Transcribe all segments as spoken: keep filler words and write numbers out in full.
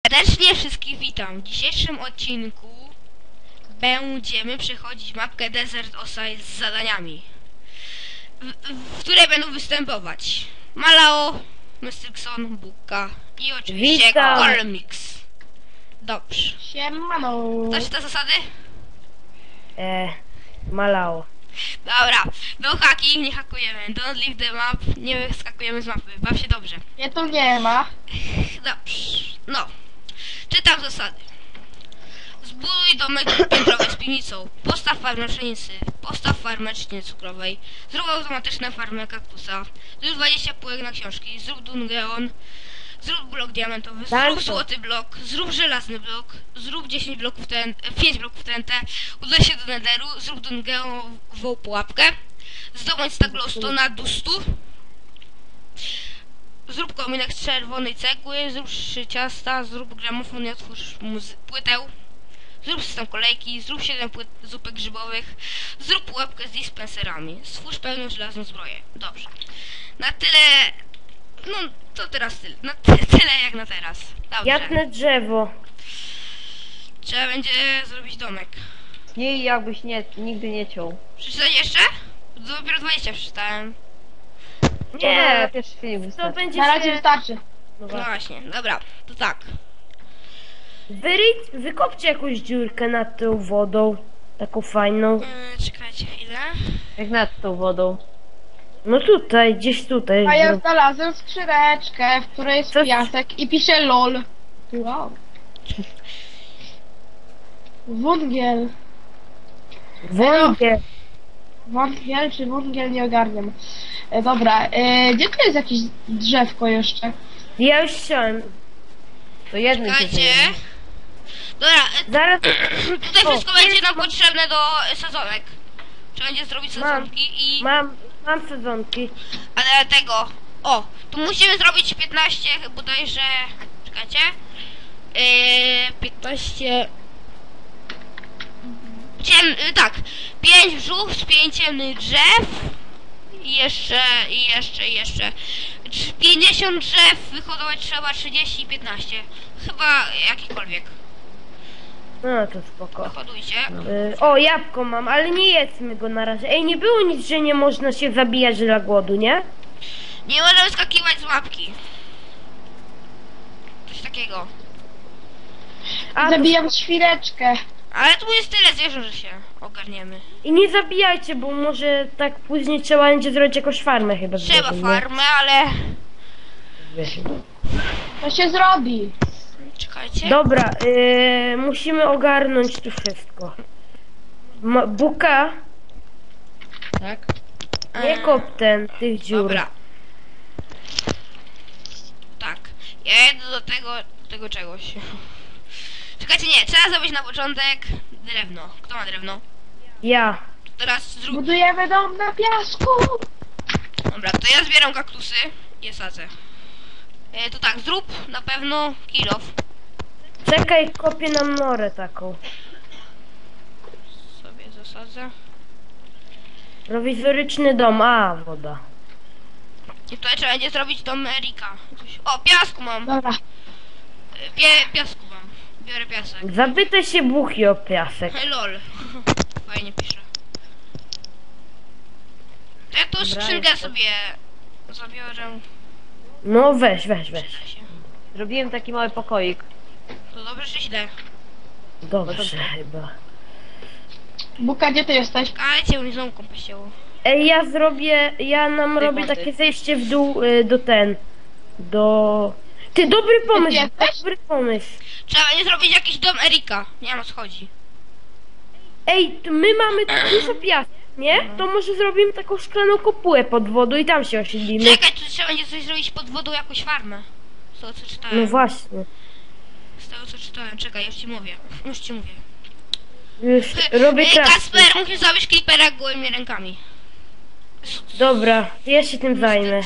Serdecznie wszystkich witam. W dzisiejszym odcinku będziemy przechodzić mapkę Desert Osiris z zadaniami, w, w której będą występować Malao, Mystrixon, Bukka i oczywiście Colmix. Dobrze. Siemano. Znasz te zasady? Eee, Malao. Dobra, no hacking, nie hakujemy. Don't leave the map, nie wyskakujemy z mapy. Baw się dobrze. Nie, tu nie ma. Dobrze, no. Czytam zasady. Zbuduj domek piętrowy z piwnicą. Postaw farmę pszenicy. Postaw farmę trzciny cukrowej. Zrób automatyczną farmę kaktusa. Zrób dwadzieścia półek na książki. Zrób dungeon. Zrób blok diamentowy. Zrób złoty blok. Zrób żelazny blok. Zrób dziesięć bloków T N T, pięć bloków T N T. Udaj się do Netheru. Zrób dungeonową pułapkę. Zdobądź stack glowstone'a do stu. Zrób kominek z czerwonej cegły, zrób trzy ciasta, zrób gramofon i otwórz płytę. Zrób system kolejki, zrób siedem płyt zupek grzybowych, zrób pułapkę z dispenserami, stwórz pełną żelazną zbroję. Dobrze. Na tyle... No, to teraz tyle. Na ty tyle jak na teraz. Dobrze. Jatne drzewo. Trzeba będzie zrobić domek. Nie, jakbyś nie, nigdy nie ciął. Przeczytać jeszcze? Dopiero dwadzieścia przeczytałem. Nie, pierwszy film to wystarczy. będzie Na razie się... wystarczy. No No właśnie. właśnie, dobra, to tak. Wyryć, wykopcie jakąś dziurkę nad tą wodą. Taką fajną. Yy, czekajcie chwilę. Jak nad tą wodą. No tutaj, gdzieś tutaj. A ja zrób. znalazłem skrzyneczkę, w której jest Co? piasek i pisze LOL. Wow. Wągiel. Węgiel. Wągiel czy wągiel, nie ogarniam. E, dobra, e, gdzie tu jest jakieś drzewko jeszcze? Ja już chciałem. To jednym się Czekajcie. zajmie. Dobra, e, Zaraz. tutaj O, wszystko będzie jest- nam potrzebne do e, sezonek. Trzeba będzie zrobić Mam. sezonki i... Mam, mam sezonki. Ale tego... O, tu musimy zrobić piętnaście bodajże... Czekajcie. Yy, piętnaście... Ciem... Yy, tak. pięć brzuch z pięć ciemnych drzew. I jeszcze, i jeszcze, i jeszcze. Trz- pięćdziesiąt drzew, wyhodować trzeba trzydzieści i piętnaście. Chyba jakikolwiek. No to spoko. Hodujcie. Y, o, jabłko mam, ale nie jedzmy go na razie. Ej, nie było nic, że nie można się zabijać dla głodu, nie? Nie możemy skakiwać z łapki. Coś takiego. A, to... Zabijam świreczkę. Ale tu jest tyle zwierząt, że się ogarniemy. I nie zabijajcie, bo może tak później trzeba będzie zrobić jakąś farmę chyba. Trzeba zrobić, nie? farmę, ale... To się zrobi. Czekajcie. Dobra, y, musimy ogarnąć tu wszystko. Ma, Buka, Tak? nie Eee, kop ten, tych dziur. Dobra. Tak. Ja jedę do tego, tego czegoś. Czekajcie, nie. Trzeba zrobić na początek drewno. Kto ma drewno? Ja. Teraz zrób... Budujemy dom na piasku. Dobra, to ja zbieram kaktusy i je sadzę. E, to tak, zrób na pewno kill off. Czekaj, kopię nam norę taką. Sobie zasadzę. Prowizoryczny dom, a woda. I tutaj trzeba będzie zrobić dom Erika. Coś- O, piasku mam. Dobra. E, Pie, piasku mam. Biorę piasek. Zapytaj się Buchi o piasek. Hej, lol. Fajnie pisze. To ja tą Dobra, skrzynkę jest to. sobie zabiorę. No weź, weź, weź. Przyda się. Zrobiłem taki mały pokoik. To dobrze czy źle? Dobrze chyba. Buka, gdzie ty jesteś? Kajcie, mi znowu kąpę się. Ej, ja zrobię, ja nam Tej robię wody. takie zejście w dół y, do ten, do... Ty, dobry pomysł, jesteś? dobry pomysł. Trzeba będzie zrobić jakiś dom Erika. Nie wiem o co chodzi. Ej, to my mamy tu dużo piasku, nie? To może zrobimy taką szklaną kopułę pod wodą i tam się osiedlimy. Czekaj, tu trzeba będzie coś zrobić pod wodą, jakąś farmę. Z tego co czytałem. No właśnie. Z tego co czytałem. Czekaj, już ci mówię. Już ci mówię. Już robię Ej, czas. Kasper, musisz zrobić creepera gołymi rękami. Dobra, ja się tym zajmę.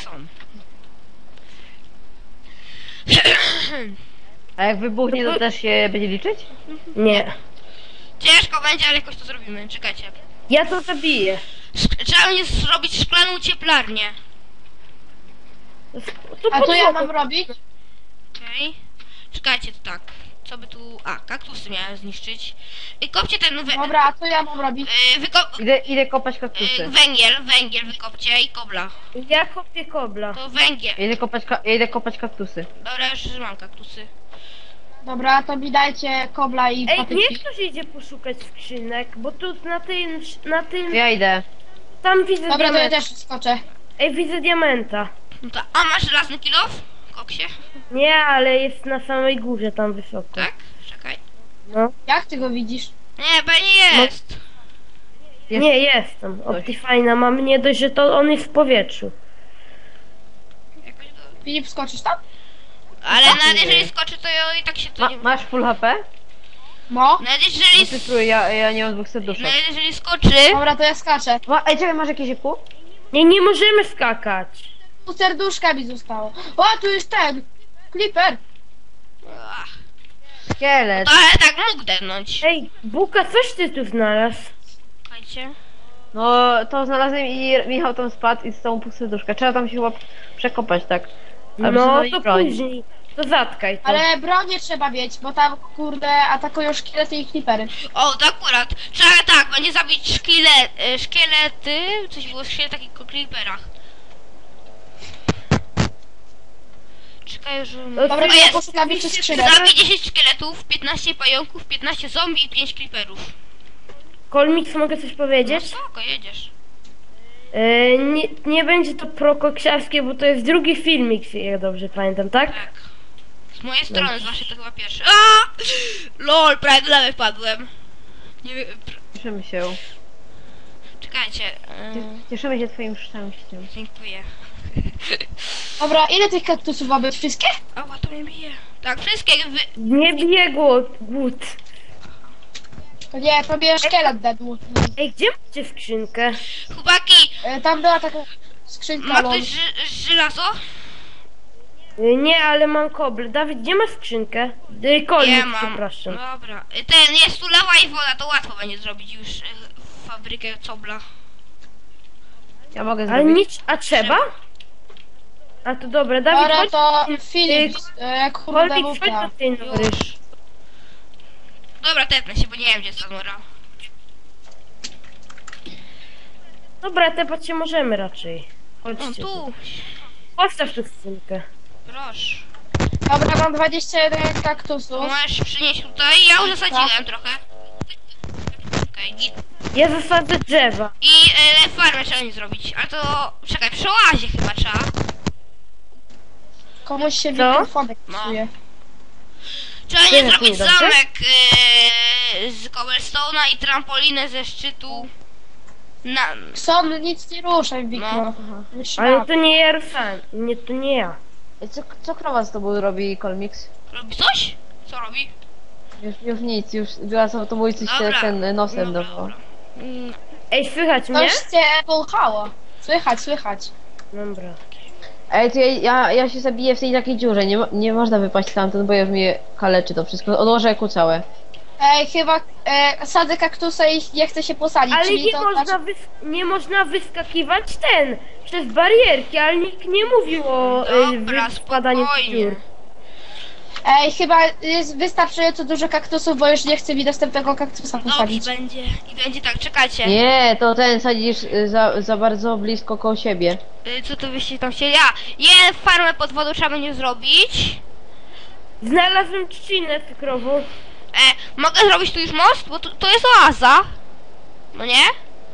A jak wybuchnie, to też się będzie liczyć? Nie. Ciężko będzie, ale jakoś to zrobimy. Czekajcie. Ja to zabiję. Szk- trzeba będzie zrobić szklaną cieplarnię. To A pod co ja wodą. mam robić? Okej. Czekajcie, to tak. Co by tu... A, kaktusy miałem zniszczyć. I kopcie ten... We... Dobra, a co ja mam robić? Yy, wyko... Idę, idę kopać yy, kaktusy. węgiel, węgiel wykopcie i kobla. Ja kopię kobla. To węgiel. Ja idę kopać, ka- ja idę kopać kaktusy. Dobra, już mam kaktusy. Dobra, to mi dajcie kobla i Ej, patyki. niech ktoś idzie poszukać skrzynek, bo tu na tym, na tym, Ja idę. tam widzę Dobra, to ja diamenta. też skoczę. Ej, widzę diamenta. No to... A masz żelazny kilof? Koksie? Nie, ale jest na samej górze tam wysoko. Tak? Czekaj. No. Jak ty go widzisz? Nie, bo nie jest. Jest. Nie, jestem. Optifine mam, nie dość, że to on jest w powietrzu. Jakoś go... Filip, skoczysz tam? Ale Tak, nawet nie. jeżeli skoczy, to ja i tak się to Ma, nie... masz full H P? No. Nawet No jeżeli... ty spróbuj, ja, ja nie mam dwóch serduszek. Nawet jeżeli skoczy... Dobra, to ja skaczę. Ma, ej, czekaj, masz jakieś pół? Nie, nie możemy skakać. Tu serduszka mi zostało. O, tu jest ten! Clipper! Ach, Szkielet. to ale tak mógł depnąć. Ej, Buka, coś ty tu znalazł? Słuchajcie. No, to znalazłem i Michał tam spadł i z tą pół serduszka. Trzeba tam się chyba przekopać, tak. Ale No, przynajmniej to broń. później. To zatkaj to. Ale bronię trzeba mieć, bo tam, kurde, atakują szkielety i clippery. O, to akurat. Trzeba tak, będzie zabić szkielet, e, szkielety. Coś było o szkieletach i creeperach. Czekaj, że... No, Dobra, ty to ja jest. poszukam jeszcze skrzynek. Zabij dziesięć szkieletów, piętnaście pająków, piętnaście zombie i pięć creeperów. Kolmix, mogę coś No powiedzieć? spoko, jedziesz. E, nie, nie będzie to prokoksiarskie, bo to jest drugi filmik, jak dobrze pamiętam, tak? Tak. Z mojej strony, z waszej to chyba pierwszy. A! Lol, prawie do lewej wpadłem. Nie wiem... pr- Cieszymy się. Czekajcie. e, Cieszymy się twoim szczęściem. Dziękuję. Dobra, ile tych kaktusów ma być? Wszystkie? Ała, to mnie bije. Tak, wszystkie wy... Nie bije głód. głód. To nie, to mnie szkielet dedł. Ej, gdzie macie skrzynkę? Chłopaki, E, Tam była taka skrzynka, ma lol. ktoś ży żelazo? E, Nie, ale mam kobl. Dawid, gdzie masz skrzynkę? E, Kolmik, Nie mam. przepraszam. Dobra. Y, Ten, jest tu lawa i woda, to łatwo będzie zrobić już y, fabrykę cobla. Ja mogę Ale zrobić. nic, a trzeba? A to dobra, Dawid, Dobra, chodź, to Filip, e, kurde, Kolmik, mów chodź ja. do tej nory. Już. Dobra, tepnę się, bo nie wiem, gdzie jest ta nora. Dobra, tepać się możemy raczej. O, Chodźcie. tu. tu. Postaw tu skrzynkę. Proszę. Dobra, mam dwadzieścia jeden To kaktusów. możesz przynieść tutaj. Ja już zasadziłem trochę. Okej, git. Ja zasadzę drzewa. I y, farmę trzeba nie zrobić. Ale to... Czekaj, przy oazie chyba trzeba. Komuś się Co? mikrofonek No. psuje. Trzeba Ty nie na zrobić chwilę, dobrze? zamek y, z cobblestone'a i trampolinę ze szczytu. Na... Son, nic nie ruszaj, Wikro. No. Ale to nie ja ruszyłem. Nie, to nie ja. Ej, Co, co krowa z tobą robi, Kolmix? Robi coś? Co robi? Już, już nic, już była z autobójcy się Dobra. ten nosem Dobra, do. dobra. Mm, Ej, słychać mnie? Coś cię polchało. Słychać, słychać. Dobra. Ej, to ja, ja, ja się zabiję w tej takiej dziurze, nie, mo- nie można wypaść stamtąd, bo już mnie kaleczy to wszystko. Odłożę eku całe. Ej, chyba e, sadzę kaktusa i nie chcę się posadzić, Ale czyli nie to można, znaczy... wys nie można wyskakiwać ten przez barierki, ale nikt nie mówił o Dobra, y, wpadaniu w spokojnie. dziur. Ej, chyba jest wystarczająco dużo kaktusów, bo już nie chce mi następnego kaktusa Dobrze posadzić. będzie. I będzie tak, czekajcie. Nie, to ten sadzisz y, za, za bardzo blisko koło siebie. Y, Co to byście tam chcieli? Ja, je farmę pod wodą trzeba będzie zrobić. Znalazłem trzcinę cukrową. E, mogę zrobić tu już most? Bo tu, to jest oaza. No nie?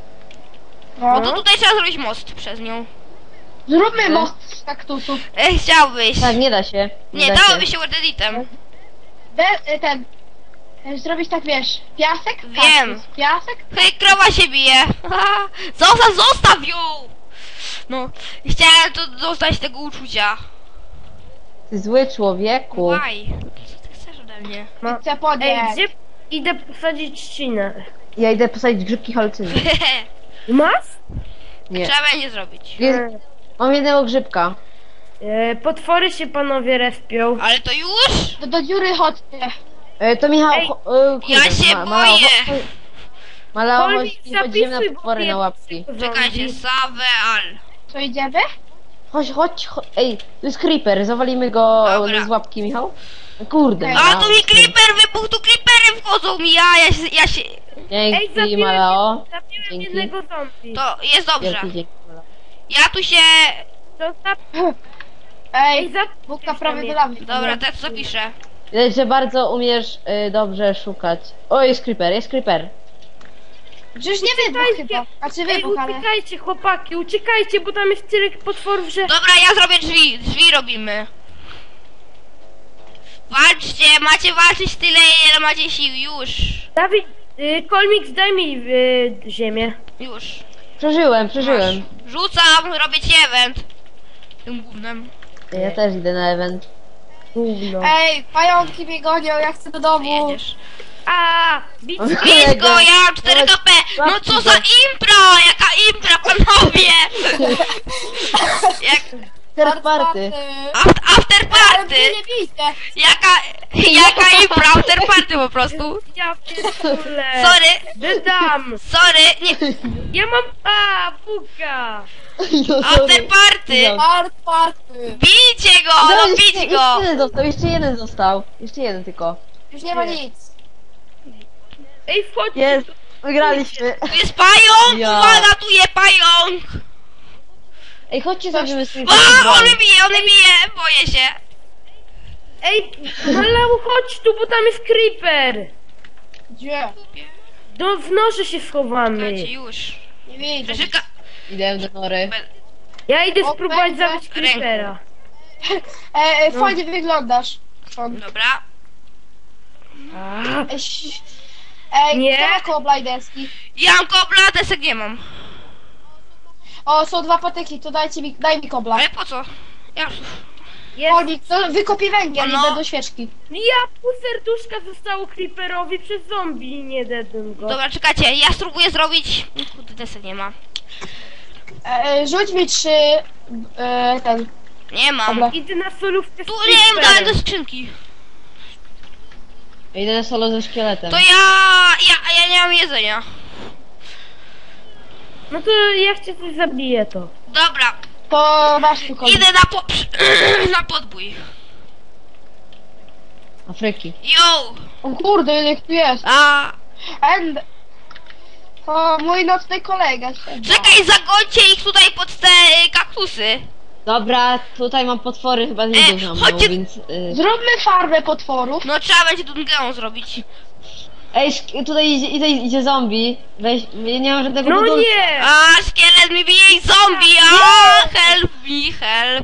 No No. to tutaj trzeba zrobić most przez nią. Zróbmy E? most z kaktusów. E, chciałbyś. Tak, nie da się. Nie, da dałoby się. się word editem. Be, e, ten... e, Zrobić tak, wiesz, piasek? Wiem. Kaktus. Piasek? Hej, krowa się bije. Zostaw, zostaw ją! No, chciałem to dostać tego uczucia. Ty zły człowieku. Why? Co ty chcesz ode mnie? No. Chcę Ej, podnieść. gdzie idę posadzić trzcinę? Ja idę posadzić grzybki halucyny. Masz? Nie. Trzeba będzie zrobić. Jest, mam jednego grzybka. E, potwory się panowie respią. Ale to już? Do, do dziury chodźcie. E, to Michał, Ej, cho- e, kurde, ja się Malao, boję. cho- Malao, Kolmik, chodź, chodzimy na zapisuj, bo potwory na wiem, łapki. zombie. Czekajcie, Saveal. Co, idziemy? Chodź, chodź, chodź. Ej, tu jest creeper, zawalimy go Dobra. z łapki, Michał. Kurde. Ej, A no. tu mi creeper wybuchł, tu creepery wchodzą mi, ja, ja się, ja się... Ej, Dzięki, zabiłem, Malao. zabiłem Dzięki. jednego zombie. To jest dobrze. Wielki dzięki, Malao. Ja tu się... Zostaw... Ej, Ej, za... Bóg prawie do lawy. Dobra, tak zapiszę. Widać, że bardzo umiesz y, dobrze szukać. O, jest creeper, jest creeper. Przecież nie wybuch chyba. Znaczy Ej, wybuch, ale... uciekajcie chłopaki, uciekajcie, bo tam jest tyle potworów, że... Dobra, ja zrobię drzwi, drzwi robimy. Walczcie, macie walczyć tyle, ile macie sił, już. Dawid, y, Kolmix, daj mi y, ziemię. Już. Przeżyłem, przeżyłem. Masz. Rzucam, robię ci event. Tym gównem. Ja też idę na event. Gówno. Ej, pająki mnie gonią, ja chcę do domu. Jedziesz. A, bić Bić go, ja mam cztery K P. No co za impra, jaka impra, panowie. Jak Third party. after, after Ale mnie party. nie bijcie. Jaka, jaka impra, after party po prostu. Ja pierdolę. Sorry, Dedam. sorry, nie, Ja mam... A, buka. after party. No. Part, party. Bijcie go, No, no jeszcze, bić jeszcze go. jeden został, jeszcze jeden został. Jeszcze jeden tylko. Już nie ma nic. Ej, wchodź. Jest, wygraliśmy. Tu jest pająk, Ja. uwaga, tu jest pająk. Ej, chodźcie zrobimy swój A, on mnie bije, on mnie bije, boję się. Ej, Malau, chodź tu, bo tam jest creeper. Gdzie? Do w noże się schowamy. Słuchajcie, już. Nie widzę. Rzeka... Idę do nory. Ja idę O, spróbować będę. zabić creepera. E, e, fajnie wyglądasz. Sean. Dobra. A, Ej, ś- Ej, Nie. kto ma koło blajdeski? Ja mam kobla, desek nie mam. O, są dwa patyki, to dajcie mi, daj mi kobla. Ale po co? Ja... jest. Olnik, to wykopię węgiel No. i będą świeczki. Ja pół serduszka zostało creeperowi przez zombie i nie dedłem go. Dobra, czekajcie, ja spróbuję zrobić... Kurde, desek nie ma. E, e, rzuć mi trzy... E, ten... Nie mam. Dobra. Idę na solówkę z Tu nie wiem, dałem do creeperem. skrzynki. Idę na solo ze szkieletem. To ja... ja... ja nie mam jedzenia. No to jak cię coś zabije to. Dobra, To masz tu kobla. idę na po... na podbój. Afryki. Yo! O kurde, ile ich tu jest. A... And... O, mój nocny kolega. siedzi. Czekaj, zagońcie ich tutaj pod te y, kaktusy. Dobra, tutaj mam potwory chyba nie E, dużo, chodźcie- więc... Y... Zróbmy farmę potworów. No trzeba będzie dungeon zrobić. Ej, szk- tutaj idzie, idzie, idzie zombie. Weź, ja nie mam żadnego No budulca. nie! A, szkielet mi bije i zombie, a help me, help.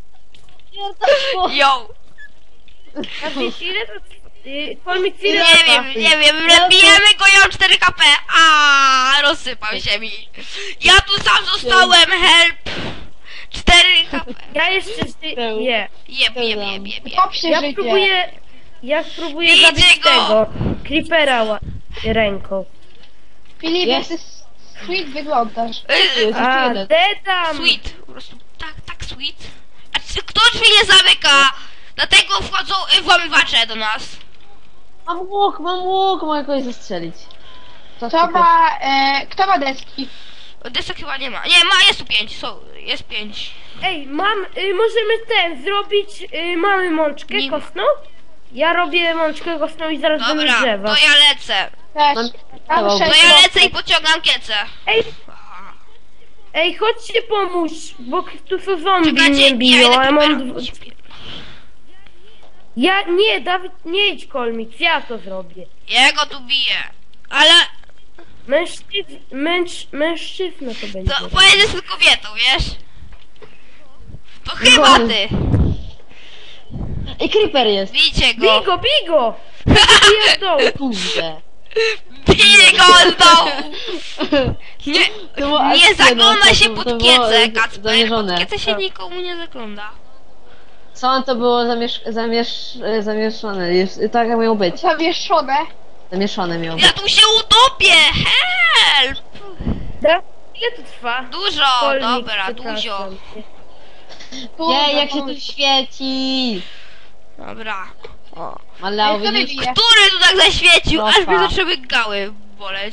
Yo! A wiesz ile to... Y, Kolmix, Nie ile wiem, nie wiem, bijemy go, ja mam cztery K P. A, rozsypał się mi. Ja tu sam zostałem, help. cztery K P. Ja jeszcze zy- nie. Jeb, jeb, jeb, jeb, jeb. Top się Ja życie. próbuję... Ja spróbuję Bijcie zabić go! tego. Creepera ła- ręką. Filip, jak Jest. ty sweet wyglądasz. Y, Jest A, jeden. dedam! Sweet, po prostu tak, tak sweet. A czy kto drzwi nie zamyka? Dlatego wchodzą y, włamywacze do nas. Mam łuk, mam łuk, mogę kogoś zastrzelić. To Kto ma... E, kto ma deski? Desek chyba nie ma. Nie, ma, jest tu pięć, są, jest pięć. Ej, mam... Y, możemy ten zrobić... Y, mamy mączkę Nie- kostną? Ja robię mączkę kostną i zaraz będę Dobra, drzewa. to ja lecę. Też. Mam- Tam To To sześć ja mocnych. lecę i pociągam kiecę. Ej, ej, chodźcie pomóż, bo tu są zombie Czekajcie, mnie biją, idę a ja mam... creepera. dw- Ja... Nie, Dawid, nie idź Kolmix, ja to zrobię. Jego tu bije. Ale Mężczyzn... Męż... Mężczyzna to będzie. to pojedziesz z kobietą, wiesz? To chyba ty. Ej, creeper jest. Bijcie go. Bij go, bij go! Bij w dołu. Kurde. Bij go z dołu. Nie, To była nie akcja, zagląda no, się to- pod to było kiecę, z- Kacper. zamierzone. Pod kiecę się nikomu nie zagląda. Co to było zamiesz... zamiesz... zamieszane? Jest, tak jak miało być. Zawieszone. Zamieszane miało Ja być. tu się utopię. Help. Da? Ile to trwa? Dużo, Kolmix, dobra, przepraszam dużo. cię. Jej, jak się tu świeci! Dobra. O. Malao, Ej, kto widzisz? wybije? Który tu tak zaświecił, aż Propa. mi zaczęły gały boleć.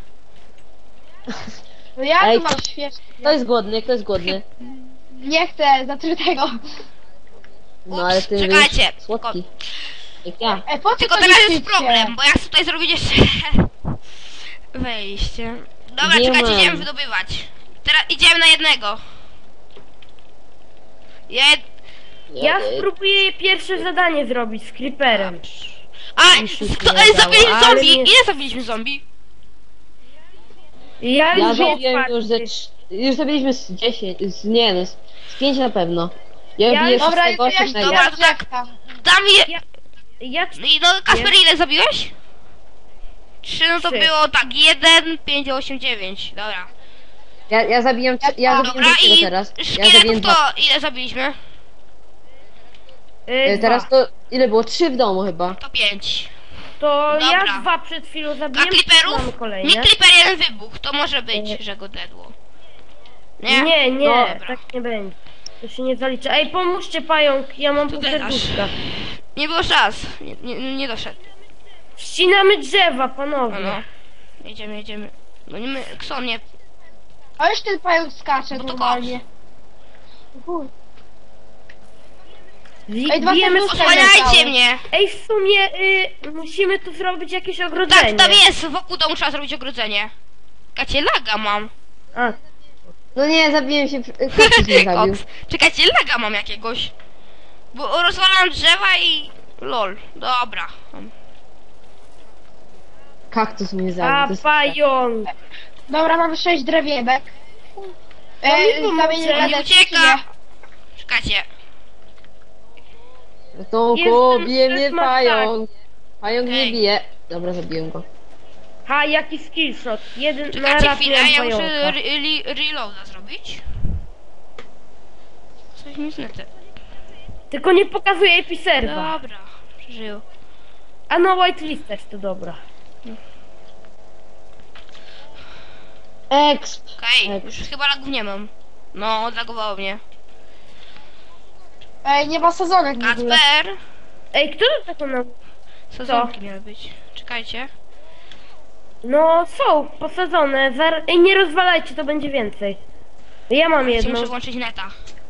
No ja Ej, tu mam to- świeczki. Kto jest głodny? Kto jest głodny? Nie chcę zatrytego. No ale Ups, ty czekajcie. wiesz, słodki. Jak ja. Ej, po co Tylko to teraz jest niszczycie? problem, bo ja chcę tutaj zrobić jeszcze wejście. Dobra, Nie czekajcie, mam. idziemy wydobywać. Teraz idziemy na jednego. Jed... Ja spróbuję pierwsze zadanie zrobić z creeperem. A, Mi się kto, nie ej, udało, zabiliśmy ale zombie! nie- Ile zabiliśmy zombie? Ja Ja już zabiłem wiem, już ze trz- już zabiliśmy z dziesięć, z, nie no, z, z pięć na pewno. Ja Ja- biję Dobra, szóstego, to ja się siódmego. Dobra, dobra, to tak. drzewka. Dam je... Ja- Ja I no, Kasper, ile zabiłeś? Trzy, no to Trzy. było tak, jeden, pięć, osiem, dziewięć. Dobra. Ja, ja zabiłem, trzy- ja zabiłem Dobra, drugiego i teraz. Ja szkieletów zabiłem to dwa. ile zabiliśmy? y, E, Teraz dwa. to, ile było? Trzy w domu chyba. To pięć. To Dobra. ja dwa przed chwilą A zabiłem, mamy kliperów? Mi kolejne. kliper jeden wybuch, to może być, że go dedło. Nie? Nie, nie, Dobra. tak nie będzie. To się nie zalicza. Ej, pomóżcie pająk, ja mam To pół teraz. serduszka. Nie było szans. Nie, nie, nie doszedł. Ścinamy drzewa, No, panowie. no. Jedziemy, jedziemy. No nie my, Kson nie. A już ten pająk skacze No to normalnie. Chuj. Wi- Ej, dwa bijemy serduszka skrzynkę. nie Osłaniajcie dały. mnie! Ej, w sumie y, musimy tu zrobić jakieś ogrodzenie. Tak, tam jest, wokół domu trzeba zrobić ogrodzenie. Kacie, laga mam. A, No nie, zabiłem się, kaktus mnie zabił. Koks. Czekajcie, laga mam jakiegoś. Bo rozwalam drzewa i... Lol, dobra. Kaktus mnie zabił. a to jest- pająk. Dobra, mamy sześć drewienek. No mi Ej, pomoże. zamienię Nie radę ucieka! Czekajcie. Ratunku, Jestem bije mnie smaczny. pająk. Pająk mnie Ej. bije. Dobra, zabiłem go. Ha, jaki skillshot. Jeden na Czekajcie raz chwilę, miałem ja muszę pająka. re re reloada zrobić. Coś mi znete. Tylko nie pokazuje episerwa. Dobra, przeżył. A no, whitelist też to dobra. Exp. Okej, Tak. już chyba lagów nie mam. No, odlagowało mnie. Ej, nie ma sezonek w ogóle. Kacper! Ej, kto to taką na... Sezonki miały być. Czekajcie. No, są posadzone. Zar... Ej, nie rozwalajcie, to będzie więcej. Ja mam Czekajcie, jedną. muszę włączyć neta.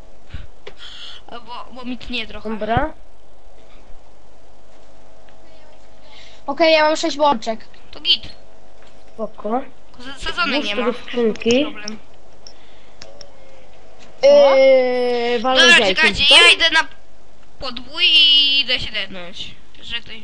Bo, bo mi tnie trochę. Dobra. Okej, ja mam sześć łączek. To git. Spoko. Tylko se- Sezonek Włóż nie to ma. do skrzynki. Problem. Eee, walnę Dobra, jajkiem, czekajcie, co? ja idę na podbój i idę się dednąć. Że ktoś...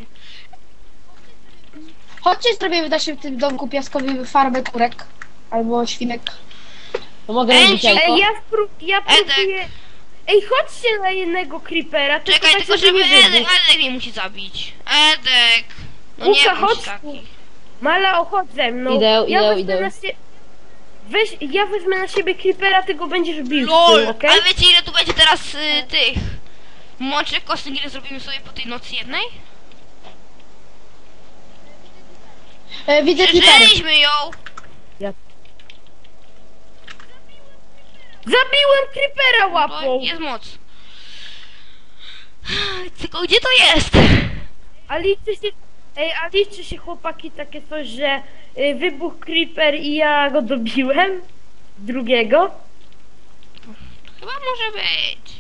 Chodźcie, zrobimy w naszym tym domku piaskowym farmę kurek. Albo świnek. To mogę Ej, robić jajko? Ej, ja, spró ja próbuję... Ej, chodźcie na jednego creepera, tylko Czekaj, tak, tylko żeby żeby nie Edek, wybuchł. Edek mnie musi zabić. Edek! No Łuka, nie bądź chodź taki. tu. Mala, chodź ze mną. Idę, ja idę, wezmę idę. Na sie... Weź, ja wezmę na siebie creepera, ty go będziesz bił z LOL! tym, okej? Ale wiecie ile tu będzie teraz y, tych mączek kostnych, ile zrobimy sobie po tej nocy jednej? E, widzę klitery. Przeżyliśmy ją! Zabiłem creepera Bo łapą! jest moc. Tylko gdzie to jest? A liczy się... Ej, a liczy się chłopaki takie coś, że y, wybuchł creeper i ja go dobiłem? Drugiego? Chyba może być.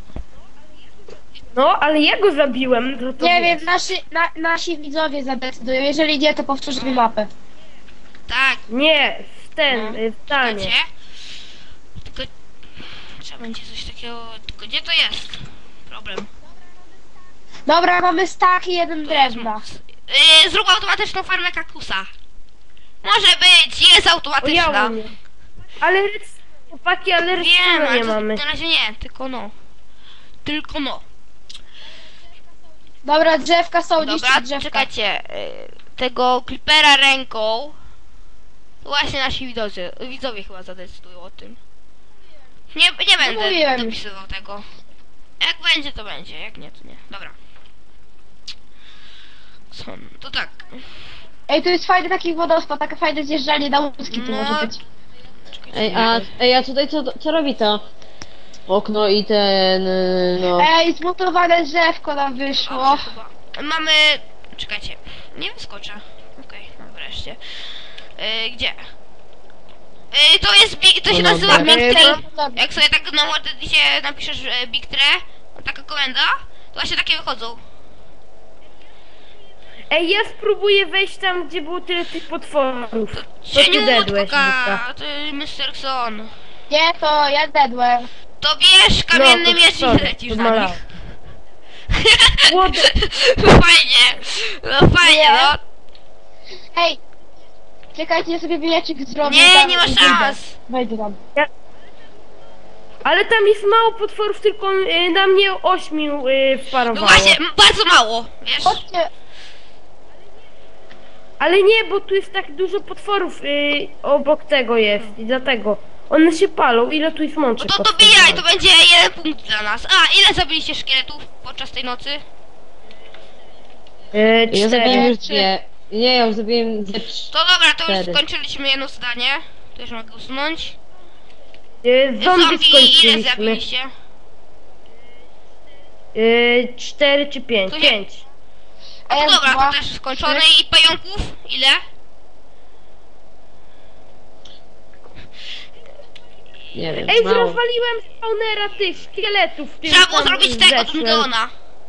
No, ale ja go zabiłem, no to Nie wiesz. wiem, nasi, na, nasi widzowie zadecydują. Jeżeli nie, to powtórzymy mapę. Tak, Nie, w ten, No. y, w stanie. wiecie? Tylko trzeba będzie coś takiego. Tylko gdzie to jest? Problem. Dobra, mamy stak i jeden To jest drewna. moc. Yy, zrób automatyczną farmę kaktusa. Może być, jest O, ja automatyczna. umiem. Ale rec- chłopaki, ale Wiem, redstone'a ale nie to mamy. na razie nie, tylko no. Tylko no. Dobra, drzewka są, Dobra, niszczyć drzewka. czekajcie. y, Tego klipera ręką. Właśnie nasi widzowie, widzowie chyba zadecydują o tym. Nie, nie będę mówiłem. dopisywał tego. Jak będzie, to będzie. Jak nie, to nie. Dobra. Co? To tak. Ej, tu jest fajny taki wodospad, takie fajne zjeżdżalnie na łuski tu No. może być. Czekajcie. Ej, a, ej, a tutaj co, co robi to? Okno i ten, y, no... Ej, zmutowane drzewko nam wyszło. Dobrze, chyba. Mamy... Czekajcie. Nie wyskoczę. Okej, no wreszcie. Yy, gdzie? Yy, to jest big, to się No nazywa dobra. Big Tree. Dobra. Jak sobie tak na Wordicie napiszesz e, Big Tree, taka komenda, to właśnie takie wychodzą. Ej, ja spróbuję wejść tam, gdzie było tyle tych potworów. To ty Cieniutko, dedłeś, Luka. ty mister Son. Nie, to ja dedłem. To bierz kamienny No, to miecz sorry, i lecisz to na malałem. nich. Młody. Fajnie, no fajnie, Nie. no. Hej! Czekajcie, ja sobie mieczyk zrobię. Nie, tam nie ma i szans. Wejdę tam. Ale tam jest mało potworów, tylko y, na mnie ośmiu y, No wparowało. właśnie, m- bardzo mało, wiesz. Chodźcie. Ale nie, bo tu jest tak dużo potworów y, obok tego jest i dlatego. One się palą, ile tu jest No mączek to potworów? dobijaj, to będzie jeden punkt dla nas. A, ile zabiliście szkieletów podczas tej nocy? Y, Ja zabiłem cztery. już dwie. Nie, ja już zabiłem ze trzy. To dobra, to już Cztery. skończyliśmy jedno zdanie. To już mogę usunąć. Y, zombie Zombie ile skończyliśmy. zabiliście? Y, cztery czy pięć? To nie- Pięć. A to Raz, dobra, dwa, to też skończone. trzy. I pająków? Ile? Nie wiem, Ej, mało. rozwaliłem spawnera tych szkieletów. w tym Trzeba było tam zrobić tego, zeszłem. Dungeona.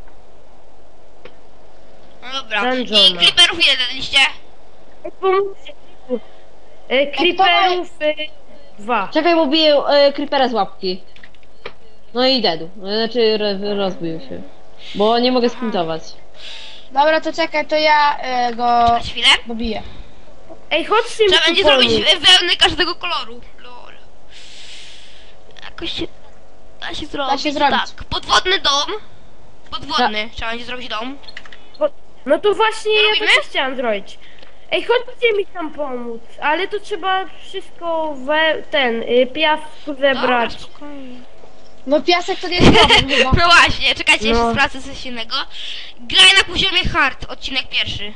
No dobra. I Dungeona. creeperów ile daliście? Ej, pomóżcie. Y, creeperów y, dwa. Czekaj, bo biję e, creepera z łapki. No i dedu. Znaczy ro, rozbił się. Bo nie mogę sprintować. Dobra, to czekaj, to ja y, go Na chwilę. dobiję. Ej, chodźcie mi Trzeba tu będzie pomóc. zrobić wełny każdego koloru. Lol. Jakoś się... Da się zrobić. się zrobić. Tak. Podwodny dom. Podwodny. Trzeba będzie zrobić dom. No to właśnie ja Robimy? też chciałam zrobić. Ej, chodźcie mi tam pomóc, ale to trzeba wszystko we ten y, piasku zebrać. Dobra, spokojnie. No piasek to nie jest problem chyba. No właśnie, czekajcie, jeszcze No. sprawdzę coś innego. Graj na poziomie hard, odcinek pierwszy.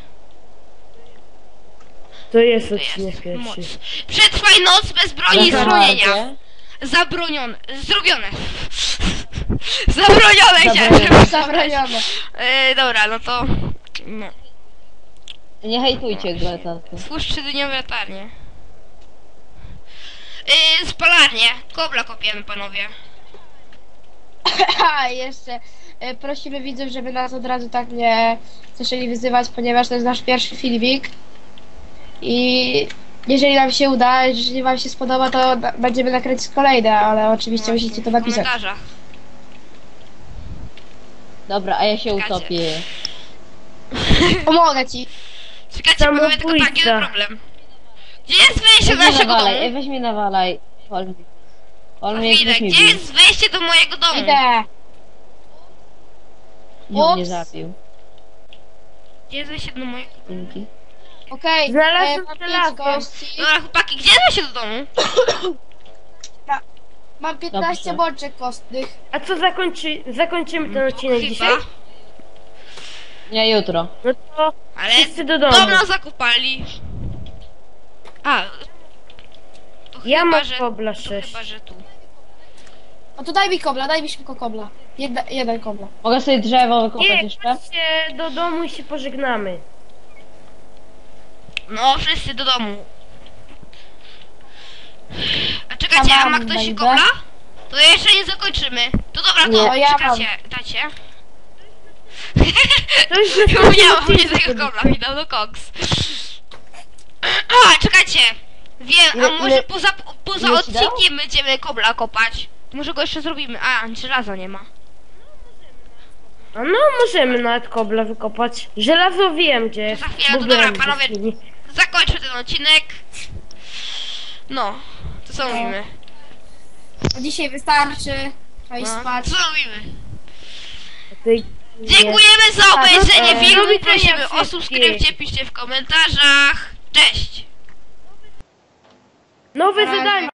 To jest To odcinek jest pierwszy. moc. Przetrwaj noc bez broni i Na schronienia. hardzie. Zabronione. Zrobione. Zabronione chciałem. Zabronione. Zabronione. E, dobra, no to... No. Nie hejtujcie Gletaty. Służ trzydniowe latarnie. Yy, spalarnie. Kobla kopiemy, panowie. A jeszcze y, prosimy widzów, żeby nas od razu tak nie zaczęli wyzywać, ponieważ to jest nasz pierwszy filmik. I jeżeli nam się uda, jeżeli wam się spodoba, to na- będziemy nakręcić kolejne, ale oczywiście Właśnie, musicie to w napisać. komentarzach. Dobra, a ja się Czekajcie. utopię. Pomogę ci. Czekajcie, panowie, tylko tak, Samobójca. jeden problem. Gdzie jest wejście Weź do mnie naszego nawalaj, ej, domu? weź mnie nawalaj. Olmi. Na Olmi, chwilę, weź mnie gdzie bij. jest wejście do mojego domu? Idę. Nie mnie Ups. zabił. Gdzie jest wejście do mojego domu? Dzięki. Okej, Znalazłem e, mam żelazo. pięć kości. Dobra, chłopaki, gdzie jest wejście do domu? Mam piętnaście Dobrze. bączek kostnych. A co zakończy, zakończymy ten odcinek Chyba. dzisiaj? Nie, jutro. No to Ale wszyscy do domu. dom nas zakopali. A. To Ja chyba, mam że, kobla to sześć. chyba, że tu. No to daj mi kobla, daj mi szybko kobla. Jedna, jeden kobla. Mogę sobie drzewo wykopać Nie, jeszcze? chodźcie do domu i się pożegnamy. No, wszyscy do domu. A czekajcie, a ma mam, ktoś będę. kobla? To jeszcze nie zakończymy. To dobra, to Nie, ja czekajcie, dajcie. To już Ja następny miałam nie odcinek. tego kobla, mi dał do koks. A, czekajcie. Wiem, a Ile- może ile- poza, poza ile ci dało? odcinkiem będziemy kobla kopać. Może go jeszcze zrobimy. A, żelaza nie ma. A no, możemy nawet kobla wykopać. Żelazo wiem gdzie jest. To za chwilę, bo to dobra, byłem panowie. w chwili. Zakończmy ten odcinek. No, to co mówimy? A dzisiaj wystarczy. Trzeba iść No, spać. co mówimy? Ty- Dziękujemy za A, no obejrzenie to- filmu. do widzenia Prosimy o wszystkim. subskrypcję, piszcie w komentarzach. Cześć! Nowe Na razie. zadanie.